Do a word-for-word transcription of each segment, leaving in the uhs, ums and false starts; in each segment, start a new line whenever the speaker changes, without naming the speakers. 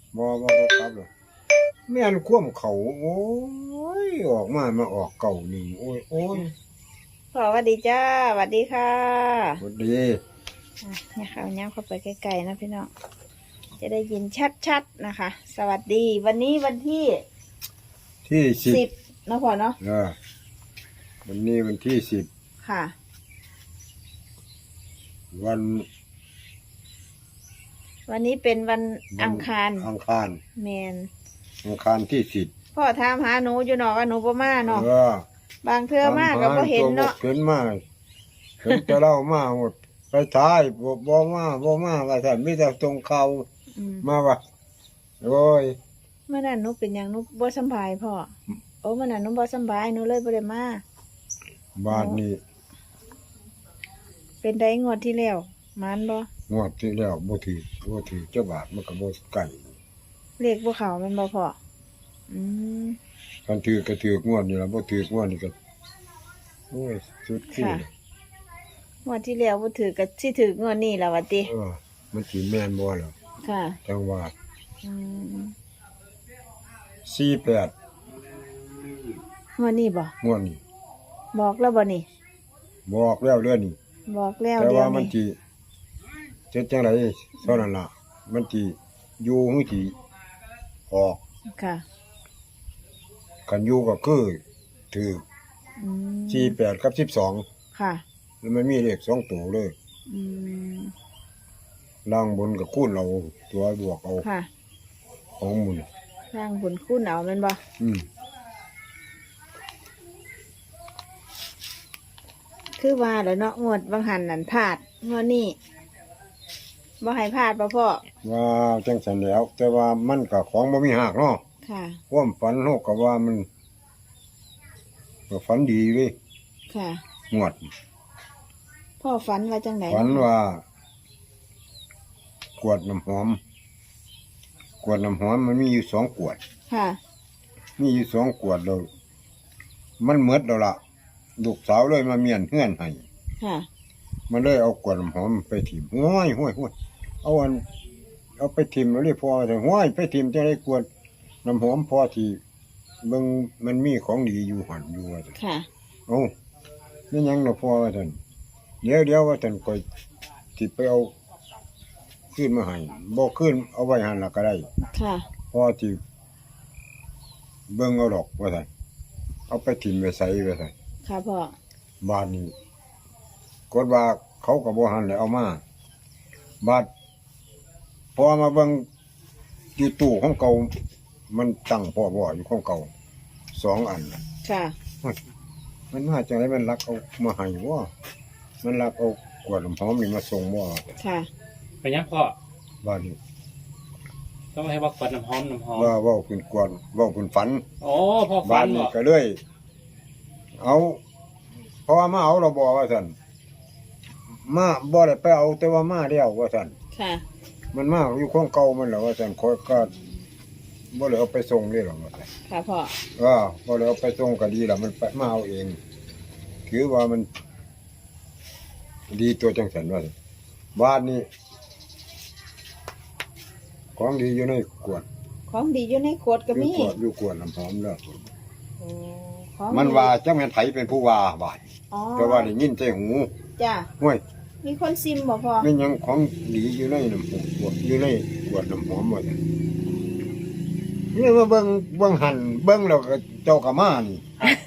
บ่บ่บ่ครับเลยแม่นคว่ำเขาโอ้ยออกมามาออกเก่านี่โอ้ยโอ้ย
พ่อสวัสดีจ้าสวัสดีค่ะ
สวัสดี
อ่ะเนี่ยค่ะเอาย่างเข้าไปใกล้ๆนะพี่น้องจะได้ยินชัดๆนะคะ สวัสดี วันนี้วันที่
ที่สิบ
สิบนะพ่อเนาะ
เออวันนี้วันที่สิบ
ค่ะ
วัน
วันนี้เป็นวันอังคาร
อังคาร
แมน
อังคารที่สิบ
พ่อถามหาหนูอยู่เนาะว่าหนูบ่มาเนาะ
เออบ
างเทื่อมาก็บ่เห็นเนาะ
เห็นมาเห็นแต่เล่ามาหมดไปท้ายบ่บ่มาบ่มาว่าท่านมีแต่ตรงเขา
อืม
มาว่าโอ้ย
เมื่อนั้นหนูเป็นหยังหนูบ่สำบายพ่อโอ้เมื่อนั้นหนูบ่สำบายหนูเลยบ่ได้มา
บ้านนี้
เป็นได้งวดที่แล้วมานบ่
งวดที่แล้วบ่ถือบ่ถือเจ้าบาทมันก็บ่ไก่
เลขบ่เข้าแม่นบ่พ่ออืม
คันถือก็ถือกงวดนี่ล่ะบ่ถือกงวดนี่ก็โอ้ยสุดขี้
ค่ะงวดที่แล้วบ่ถือก็สิถืองวดนี้ล่ะว่าติ
เออมันสิแม่นบ่ล่ะ
ค่ะ
จังว่า
อืม
สี่แปด
งวดนี้บ่
งวดนี้
บอกแล้วบ่นี่
บอกแล้วเรื่องนี้
บอกแล้ว
แต่
เดี๋ย
ว่าว มัน
นี้
สิเจ็ดจังไดเท่านั้นล่ะมันสิอยู่หรือสิออก
ค่ะ
คันอยู่ก็คือถือ
อืม
สี่แปดกับสิบสอง
ค่ะ
แล้วมันมีเลขสองตัวเลย
อืม
ล่างบนกับคูณเราตัวบวกเอา
ค่ะ
ของหมุน
สร้างบุญคุณเอาแม่นบ่
อืม
คือว่าแล้วเนาะงวดบางหันนั่นพลาดงวดนี้บ่ให้พลาดบ่พ่อ
ว่าจังสันแหล้ว แต่ว่ามันกับของบ่มีหักเนาะ
ค่ะ
ความฝันโลกก็ว่ามันก็ฝันดีเว้ย
ค่ะ
งวด
พ่อฝันว่าจังไหน
ฝันว่า กวดน้ำหอม กวดน้ำหอมมันมีอยู่สองกวด
ค่ะ
มีอยู่สองกวดเรามันเมดแล้วล่ะลูกสาวเลยมาเมียนเฮือนให้
ค่ะ
มันเลยเอากวดน้ำหอมไปถิ่มห้วยห้วยห้วยเอาอัน เอาไปถิ่มแล้วเรียกพอแต่ห้วยไปถิ่มจะได้กวดน้ำหอมพอที่เบิ่งมันมีของดีอยู่หันอยู่ว่าซั่น
ค่ะ
เอ้านี่ยังเราพอว่าท่านเดี๋ยวเดี๋ยวว่าท่านก็ที่ไปเอาขึ้นมาให้บ่ขึ้นเอาไว้หันละก็ได้
ค่ะ
พอที่เบิ่งเอาดอกว่าท่านเอาไปถิ่มไปใส่ว่าท่าน
ค่ะพ่อ
บ้านนี้กดว่าเขาก็บ่หันเลยเอามาบาดพอมาเบิ่งอยู่ตู้ของเก่ามันตั้งพ่อบ่อยู่ของเก่าสองอันน่ะ
ค่ะ
มันมาจังไรมันรักเอามาให้ว่ามันรักเอากวดน้ำหอมนี่มาส่งว่า
ค่ะ
ไปยังพ่อ
บ้านนี้
ต้องให้ว่าขวดน้ำหอมน้ำหอม
ว่าเว่าคุณกวดเว่าคุณฝัน
โอ้พ่อฟั
บ้าน
น
นี้
บอก
ก็เลย เอาเพราะว่ามาเอาเราบอกว่าท่านมาบ่ได้ไปเอาแต่ว่ามาเดียวว่าท่าน
ค่ะ
มันมาอยู่ของเก่ามันแล้วว่าท่านคอยก็บ่ได้เอาไปส่งเลยหรอกว่าท่าน
ค่ะพ่อ
ว่าบ่ได้เอาไปส่งก็ดีแล้วมันไปมาเอาเองถือว่ามัน ดีตัวจังสันว่าซั่นบ้านนี้ของดีอยู่ในขวด
ของดีอยู่ในขวดก็
อยู่
มี
ขวดอยู่ขวดน้ำหอมแล้ว
โอ้ของ
มันว่าจังแม่นไผเป็นผู้ว่าบาด
อ๋อ
แต่ว่าได้ยินใจหู
จ้ะ
ห้วย
มีคนซิมบ่พ่อ
ไม่ยังของดีอยู่ในน้ำหอมขวดอยู่ในขวดน้ำหอมว่าซั่นนี่มาเบิ่งเบิ่งหันเบิ่งแล้วก็เจ้าก็มานี่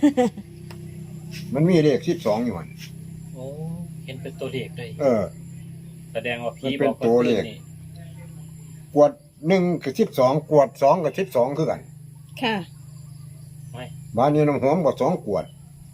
มันมีเลขสิบสองอยู่หั่น
โอ้เห็นเป็นตัวเลขเลย
เออ
แสดงว่าผี
มันเป็น
บอก
ตัวเลข
นี่
ขวดหนึ่งกับสิบสองขวดสองกับสิบสองคือกัน
ค่ะ
ไม่
บ้านนี้น้ำหอมก็สองขวด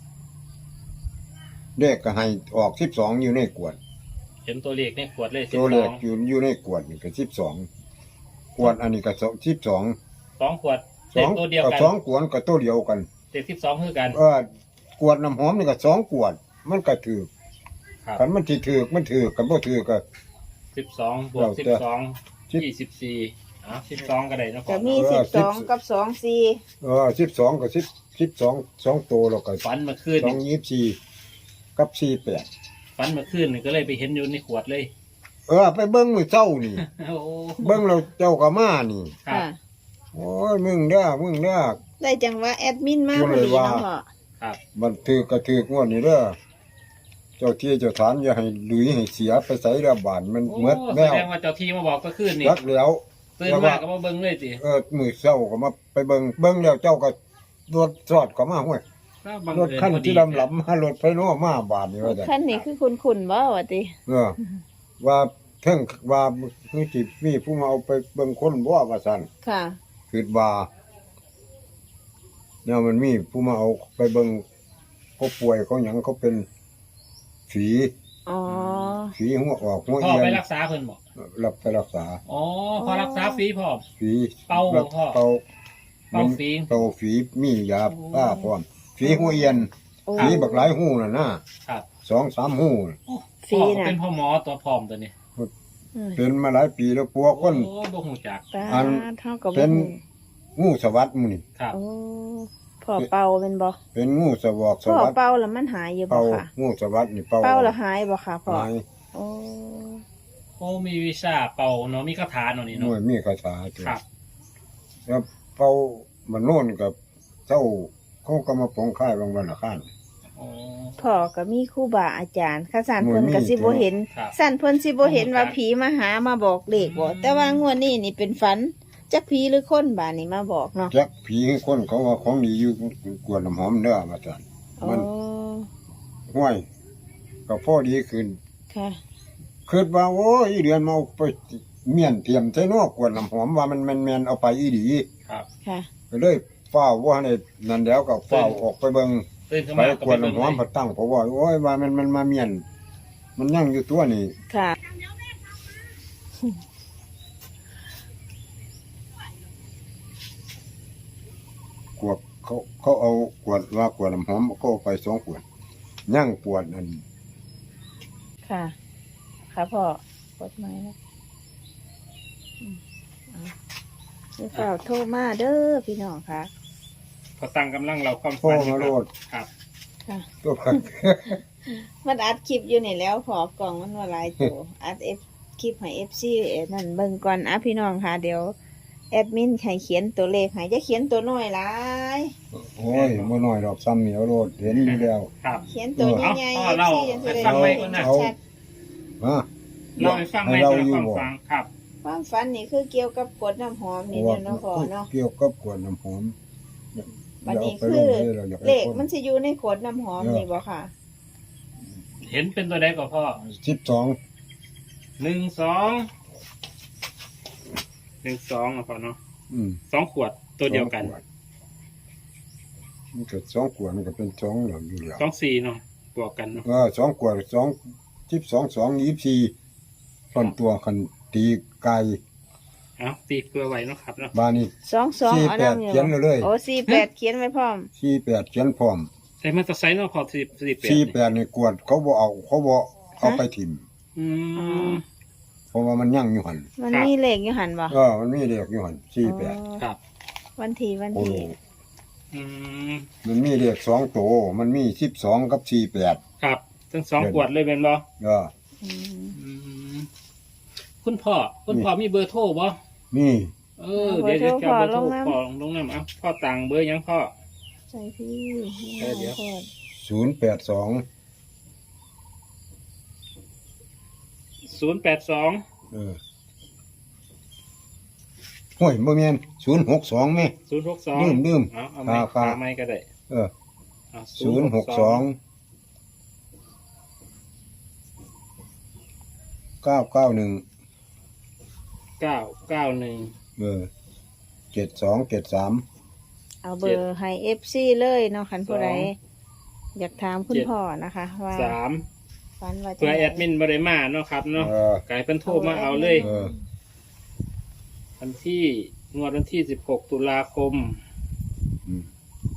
เลขก็ให้ออกสิบสองอยู่ในขวด
เห็นตัวเลขในขวดเลยสิบ
ตัว
ส
เล
อ
ข
ง
อยู่อยู่ในขวดนี่ก็สิบสองขวดอันนี้ก็สิบสอง
สองขวด
ส
เล
อ
ข
ง
ตัวเดียวกัน
สองขวดก็ตัวเดียวกัน
เลขสิบสองคือกัน
เออขวดน้ำหอมนี่ก็สองขวด มันก็ถือ
ครับ
คันมันที่ถือมันถือกันบ่ถือก็
สิบสองบวก
เรา
สิบ
จะ
สอง
สิบ
ยี่สิบสี่อ่ะสิบสองก็ได้นะพ่
ก็
อ
มี
เอ
สิ
อบ
สอง
สิบ
กับสองสี่
เออสิบสองกับสิบสิบสองสองตัวแล้วก็
ฟันเมื่อคืน
สอง
นี่
ยี่สิบสี่กับสี่แปด
ฟันเมื่อคืนนี่ก็เลยไปเห็นอยู่ในขวดเลย
เออไปเบิ่งมื้อเช้านี่
โอ้
เบิ่งแล้วเจ้าก็มานี่
ครับ
ค่ะ
โอ้ยมึงเด้อมึงเด้อ
ได้จังว่าแอดมินมา
พู
พ
ด
อ
เลย
ดี
ว่า
เนาะพ่อ
ครับ
มันถือกระถือกงวดนี่เด้อเจ้าที่เจ้าฐานอย่าให้หลุยให้เสียไปใส่ระบาดมัน
โอ้
เมด
แส
แล้ว
ดงว่าเจ้าที่มาบอกก็ขึ้นนี่
รักแล้ว
ตื่นมาก็มาเบิ่งเลยสิ
เออมื้อเช้าก็มาไปเบิ่งเบิ่งแล้วเจ้าก็รถจอดก็มาห้วย
ถ้าบัง
รถ
เอิญ
คัน
พอดี
ที่ลำลำมารถไฟโน้มาบาดนี่ว่าจัง
ขั้นนี้คือคุณคุณบ่วะติ
เออ ว่าเทิงว่าคือสิมีผู้มาเอาไปเบิ่งคนบ่ว่าซั่น
ค่ะ
คิดว่าเนี่ยมันมีผู้มาเอาไปเบิ่งเขาป่วยเขาหยังเขาเป็นฝี
อ๋อ
ฝีหัวออกหัว
พ่อ
เอีย
ไป
น
รักษาเพิ่นบอก
รับไปรักษา
อ๋อพอรักษาฟรีพ่อ
ฝี
เป่า
รับ
พ่อ
เป่า
เป่าฝี
เป่าฝีมียา
โอ้
ป้าพร้อมฝีหัวเอียน
โอ้
ฝีบักหลายหูน่ะนะครับ สองสามหูน่ะ
โอ้
ฟรี
พ่อก็
น่ะ
เป็นพ่อหมอตัวพร้อมตัวนี้
อืม
เป็นมาหลายปีแล้วปัวคน
โอ้บ่ฮู้จัก
ตา
อัน
เท่ากับ
เป็น งูสวัสดหมูนี่
ครับ
โอ้พ่อเป่าเป็นบ่
เป็นงูสวอกส
พ่อ
วัสด
เป่าแล้วมันหายอยู่บ่
เป่า
ค่ะ
งูสวัสดนี่เป่า
เป่าแล้วหายบ่ค่ะพ่อ
หาย
โอ้
โอ้มีวิชาเป่าเนาะมีคาถาเนาะนี่
หน่
เนาะ
วยมีคาถาตัว
ครับ
แล้วเป่ามันโน่นกับเจ้าเขาก็มาปองค่ายบางวันละข้าน
โอ้
พ่อก็มีครูบาอาจารย์ข้าสาร
หน่วย
เพิ่นก็สิ
มี
บ่เห็น
ครับ
สั่นเพิ่นสิบ่เห็นว่า
ครับ
ผีมาหามาบอกเลขบ่แต่ว่างวดนี้นี่เป็นฝันจักผีหรือคนบาดนี้มาบอกเนาะ
จักผีคนเขาว่าของดีอยู่กวนน้ำหอมเด้อมาสั่น
โอ้
มันห้วยก็พอดีขึ้น
ค่ะ
คิดว่าโอ้ยอีเดือนมาเอาไปเมียนเตรียมใส่นอกกวนน้ำหอมว่ามันแมนๆเอาไปอีดี
ครับ
ค่ะ
ก็เลยเฝ้าว่าในนั่นแล้วก็เฝ้าออกไปเบิ่ง
ตื่นขึ้น
ไป
มาก็
ก
ไป
วน
เบิ่ง
น้ำหอม
เล
พ
ย
อตั้งเพราะว่าโอ้ยว่ามันมันมาเมียน มันยังอยู่ตัวนี่
ค่ะ
กวดเขาเขาเอากวดว่ากวดน้ำหอมก็เอาไปสองขวดย่างปวดอัน
ค่ะ ค่ะพ่อกดไม้นะอืมเอาเดี๋ยวเฝ้าโทรมาเด้อพี่น้องค่ะ
พอตั้งกำลังเราความ
พ่อ
ฝัน
มาโลด
ครับ
ค่ะ
ตัวพัก
มันอัดคลิปอยู่นี่แล้วพอกล่องมันว่าหลายตัว อัดเอฟคลิปให้เอฟซีนั่นเบิ่งก่อนอ่ะพี่น้องค่ะ เดี๋ยวแอดมินให้เขียนตัวเลขให้จะเขียนตัวน้อยหลาย
โอ้ยบ่น้อยดอกซ้ำเหนียวโลดเห็นอยู่แล้ว
ครับ
เขียนตัวใหญ่ๆ
เอา
เอฟ
เอา
ซียังจะได้
เอา
เบิ่ง
เอา
ชัด
ฮะ
เราไปฟังไหม
ให้เรา
เรา
อยู่
ฟัง
บ่
ฟังครับ
ๆความฝันนี่คือเกี่ยวกับกดน้ำหอมนี่เนาะเนาะพ่อเนาะ
เกี่ยวกับกวดน้ำหอม
บัดนี้
ย่า
คื
เา
อ
ไปลงเลยราอยากให้
เลข
คน
มันสิอยู่ในขวดน้ำหอม
เออ
นี่บ่ค่ะ
เห็นเป็นตัวใดก็พ่อ
สิบสอง
หนึ่งสองหนึ่งสองนะพ่อเนาะ
อืม
สองขวดตัวเดียวกัน
สองขดมันเกิดสองขวดมันก็เป็นสองเหล่าอยู่แล้ว
สองสี่เนาะบวกกันเนาะ
เออสองขวดสองสิบสองสองยี่สิบสี่ต้นตัวคันตีไก่
เอาตีเพื่อไว้เนาะครับเนาะ
บานี่
สองสอง
สี่
เอา
แปด
น้ำอยู่
เขียนเลย
โอ้สี่แปดเขียนไว้พร้อม
สี่แปดเขียนพร้อม
ใส่มาตอร์ไซค์เนาะพอสี่สี่แปด
สี่แปดนี่กวดเขาบ่เอาเขาบ่เอาไปถิ่ม
อืม
เพราะว่ามันยั่งอยู่หัน
มัน
ครับ
มีเลขอยู่หันบ่
เออมันมีเด็กอยู่หันสี่แปด
อ๋อ
ครับ
วันที่วัน
โอ้
ที่
อืม
มันมีเด็กสองโตวมันมีสิบสองกับสี่แปด
ครับทั้งสองขวดเลยเป็นบ่
เออ
อืม
อืมคุณพ่อคุณพ่อมีเบอร์โทรบ่
มี
เออเดี๋ยวจะเอาเบอร์โทรพ่อลงน้ำเอาพ่อตังเบอร์หยังพ่อ
ใส่พี่
เออเดี๋ยว
โคตร
ศูนย์แปดสอง
ศูนย์แปดสอง
เออห้วยบ่แม่นศูนย์หกสองแม่
ศูนย์หกสอง
ลืมลืม
เอาเอาไม่
ครับครับ
เอาไม่ก็ได้
เออ
เอา
ศูนย์หกสองเก้าเก้าหนึ่ง
เก้าเก้าหนึ่ง
เออเจ็ดสองเจ็ดสาม
เอาเบอร์ให้เอฟซีเลยเนาะคันผู้ใดอยากถามคุณพ่อนะคะ ว่า
สาม
ฝันว่าจะ
เพื่อแอดมินบริมาเนาะครับเนาะ
เออ
ไก่เป็นโทรมาเอาเลย
เออ
วันที่งวดวันที่สิบหกตุลาคม
อืม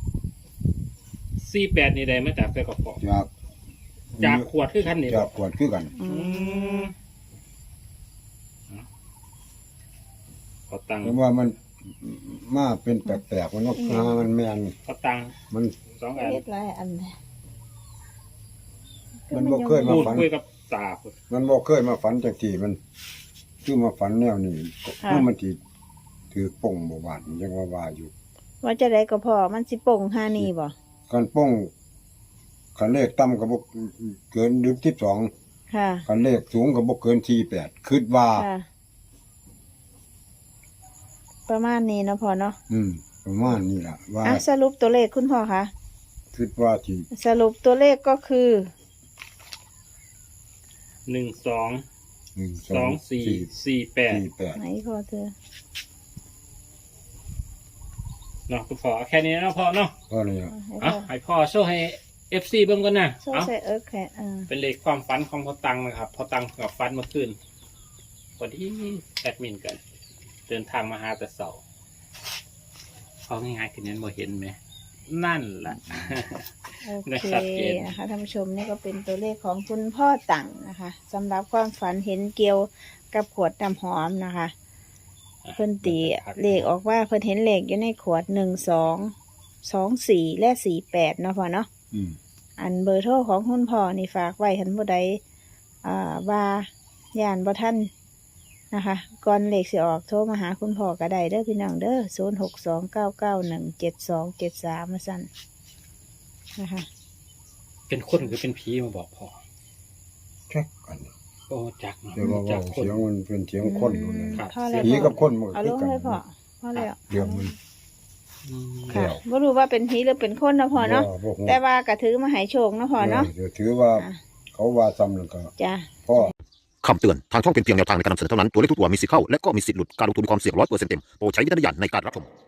สี่แปดนี่ได้มาจากไส้กรอก
จาก
จากขวดคือขั้นนี้
จากขวดคือกัน
อื
อื
ม
มขอตังค์
เพราะว่ามันมาเป็นแปลกๆมันว่ามันแม่น
ขอตังค์
มัน
สองอัน
เฮ็ดหลายอันเลย
มันบ่เคยมา
พูด
ฝัน
คุยกับตา
มันบ่เคยมาฝันจังที่มันคือมาฝันแนวนี้ก็มันสิถือป่งบ่บาดยังว่าว่าอยู่
ว่าจะได้ก็พอมันสิป่งห้านี่บ่
กันป่งคันเลขต่ำก็บ่เกินหนึ่งสิบสอง
ค่ะ
คันเลขสูงก็บ่เกินสี่สิบแปดคิดว่า
ค่ะ ประมาณนี้เนาะพอเนาะ
อืมประมาณนี้ล่ะว่า
อ่ะสรุปตัวเลขคุณพ่อคะ
คิดว่าสิ
สรุปตัวเลขก็คือ
หนึ่งสอง
หนึ่ง
สองสี่สี่แปด
สี่แปด
ไหนพอเธอ
เนาะคุณพ่อเอาแค่นี้เนาะพ่อเนาะ
ก็เลยอะ
ให้
เอา
พ่อ
ให้พ่อโชว์ให้เอฟซีเบิ่งก่อนนะ
โซ่
เอา
ใส่เอิร์กแค่อ่า
เป็นเลขความฝันของพ่อตังนะครับพ่อตังกับฝันเมื่อคืนพอดีแอดมินกัน เดินทางมาหาแต่เสาร์เขาง่ายๆคือนั้นบ่เห็นไหมนั่นแหละ
โอ
ได้
เค
ชัดเจน
นะคะท่านผู้ชมนี่ก็เป็นตัวเลขของคุณพ่อตังนะคะสำหรับความฝันเห็นเกี่ยวกับขวดน้ำหอมนะคะ เพิ่นตีเลขออกว่าเพิ่นเห็นเลขอยู่ในขวดหนึ่งสองสองสี่และสี่แปดเนาะพ่อเนาะ
อืม
อันเบอร์โทรของคุณพ่อนี่ฝากไว้ทันผู้ใดอ่าว่าย่านบ่ท่านนะคะก่อนเลขสิออกโทรมาหาคุณพ่อก็ได้เด้อพี่น้องเด้อศูนย์หกสองเก้าเก้าหนึ่งเจ็ดสองเจ็ดสามมาสั่นนะคะ
เป็นคนหรือเป็นผีมาบอกพ่อ
แค่กัน
โอ้จักเนาะ
แต่ว่า
จั
เว้าก
คน
เสียงมันเป็นเสียงคนอยู่เลย
ครับ
พ่อแล้ว
ผี
พ่อ
กับคนมันก็
เอา
คื
ล
อง กัน
ให้พ่อพ่อแล้ว
เรื่องมัน
อืม
ค่ะ
แล้ว
ไม่รู้ว่าเป็นผีหรือเป็นคนนะพ่อเนาะ
บ่บ่ฮู้
แต่ว่ากระถือมาใหายโชคนะพ่อเนาะ
เออถือว่า
อ่ะ
เขาว่าซ้ำนั่นก็
จ้ะ
พ่อ
คำเตือน ทางช่องเป็นเพียงแนวทางในการนำเสนอเท่านั้น ตัวเลขทุกตัวมีสิทธิ์เข้า และก็มีสิทธิ์หลุด การลงทุนมีความเสี่ยงร้อยเปอร์เซ็นต์เต็ม โปรดใช้วิจารณญาณในการรับชม